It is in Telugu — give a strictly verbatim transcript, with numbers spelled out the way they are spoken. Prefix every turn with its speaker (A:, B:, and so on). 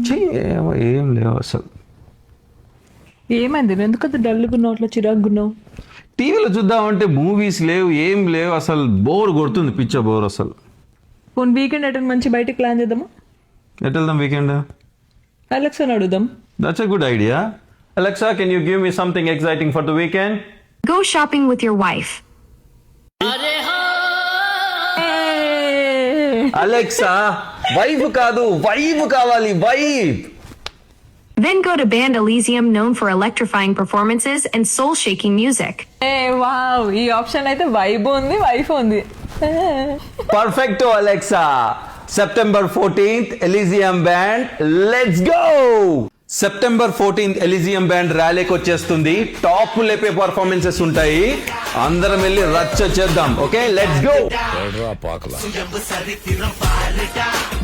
A: ఏమో ఏం లేవు అసలు.
B: ఏమైంది ఎందుకంత డల్గున్నావు అట్లా చిరాకున్నావు?
A: టీవీలో చూద్దామంటే మూవీస్ లేవు, ఏం లేవు అసలు. బోర్ కొడుతుంది, పిచ్చ బోర్ అసలు.
B: పోనీ వీకెండ్ అటెండ్ మంచి బయటకు ప్లాన్ చేద్దామా?
A: ఎట్ వెళ్దాం వీకెండ్?
B: అలెక్సాని అడుగుదాం.
A: That's a good idea. Alexa, can you give me something exciting for the weekend?
C: Go shopping with your wife.
A: Alexa, wife కాదు, vibe కావాలి, vibe.
C: Then go to Band Elysium, known for electrifying performances and soul-shaking music.
B: ఏ వావ్, ఈ ఆప్షన్ అయితే వైబ్ ఉంది, వైఫ్ ఉంది.
A: Perfecto, Alexa. September fourteenth, Elysium Band. Let's go! September fourteenth Elysium band ర్యాలీకి వచ్చేస్తుంది. టాప్ లేపే పర్ఫార్మెన్సెస్ ఉంటాయి. అందరం వెళ్ళి రచ్చ చేద్దాం. Okay, let's go.